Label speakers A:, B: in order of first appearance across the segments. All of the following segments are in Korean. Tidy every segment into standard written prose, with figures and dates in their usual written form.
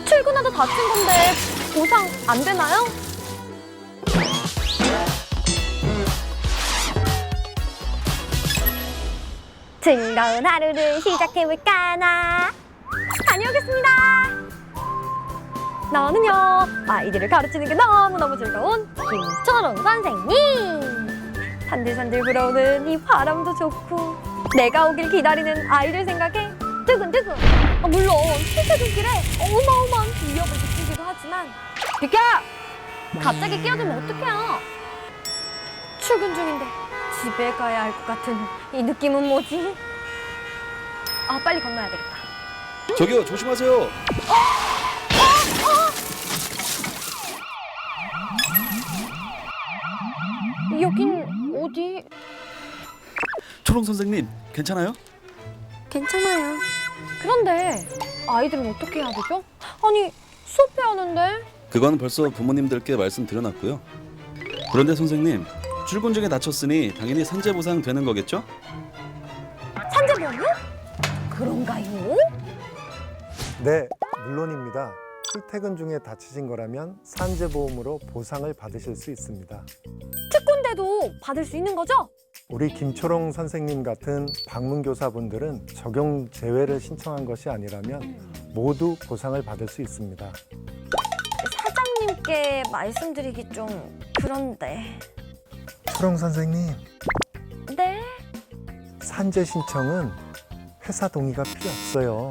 A: 출근하다 다친 건데 보상 안 되나요? 즐거운 하루를 시작해볼까나. 다녀오겠습니다. 나는요, 아이들을 가르치는 게 너무너무 즐거운 김초롱 선생님. 산들산들 불어오는 이 바람도 좋고 내가 오길 기다리는 아이들 생각에 두근두근. 물론 출퇴근길에 어마어마한 위협을 느끼기도 하지만 비켜! 갑자기 끼어들면 어떡해요? 출근 중인데 집에 가야 할 것 같은 이 느낌은 뭐지? 빨리 건너야 되겠다.
B: 저기요, 조심하세요.
A: 여긴 어디?
B: 초롱 선생님, 괜찮아요?
A: 괜찮아요. 그런데 아이들은 어떻게 해야 되죠? 아니, 수업해야 하는데.
B: 그건 벌써 부모님들께 말씀드려놨고요. 그런데 선생님, 출근 중에 다쳤으니 당연히 산재 보상 되는 거겠죠?
A: 산재보험요? 그런가요?
C: 네, 물론입니다. 출퇴근 중에 다치신 거라면 산재보험으로 보상을 받으실 수 있습니다.
A: 특권대도 받을 수 있는 거죠?
C: 우리 김초롱 선생님 같은 방문교사분들은 적용 제외를 신청한 것이 아니라면 모두 보상을 받을 수 있습니다.
A: 사장님께 말씀드리기 좀 그런데.
C: 초롱 선생님,
A: 네?
C: 산재 신청은 회사 동의가 필요 없어요.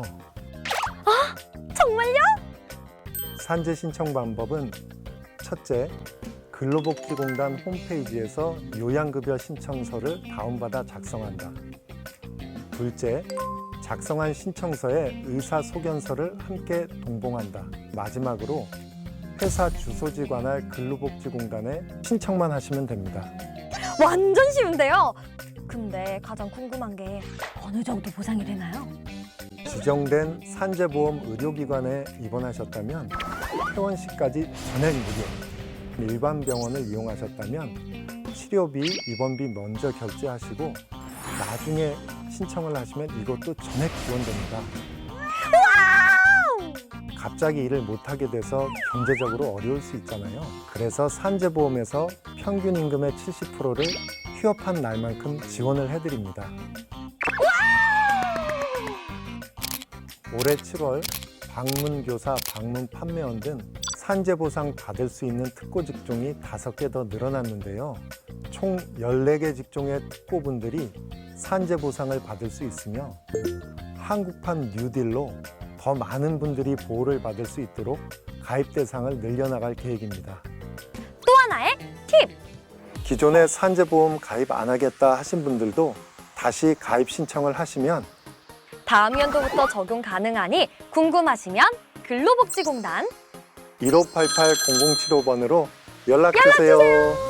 A: 정말요?
C: 산재 신청 방법은 첫째, 근로복지공단 홈페이지에서 요양급여 신청서를 다운받아 작성한다. 둘째, 작성한 신청서에 의사소견서를 함께 동봉한다. 마지막으로 회사 주소지 관할 근로복지공단에 신청만 하시면 됩니다.
A: 완전 쉬운데요? 근데 가장 궁금한 게 어느 정도 보상이 되나요?
C: 지정된 산재보험 의료기관에 입원하셨다면 퇴원시까지 전액 무료, 일반 병원을 이용하셨다면 치료비, 입원비 먼저 결제하시고 나중에 신청을 하시면 이것도 전액 지원됩니다. 갑자기 일을 못하게 돼서 경제적으로 어려울 수 있잖아요. 그래서 산재보험에서 평균 임금의 70%를 휴업한 날만큼 지원을 해드립니다. 올해 7월 방문교사, 방문판매원 등 산재보상 받을 수 있는 특고 직종이 5개 더 늘어났는데요. 총 14개 직종의 특고분들이 산재보상을 받을 수 있으며 한국판 뉴딜로 더 많은 분들이 보호를 받을 수 있도록 가입 대상을 늘려나갈 계획입니다.
A: 또 하나의 팁!
C: 기존에 산재보험 가입 안 하겠다 하신 분들도 다시 가입 신청을 하시면
A: 다음 연도부터 적용 가능하니 궁금하시면 근로복지공단
C: 1588-0075번으로 연락 주세요.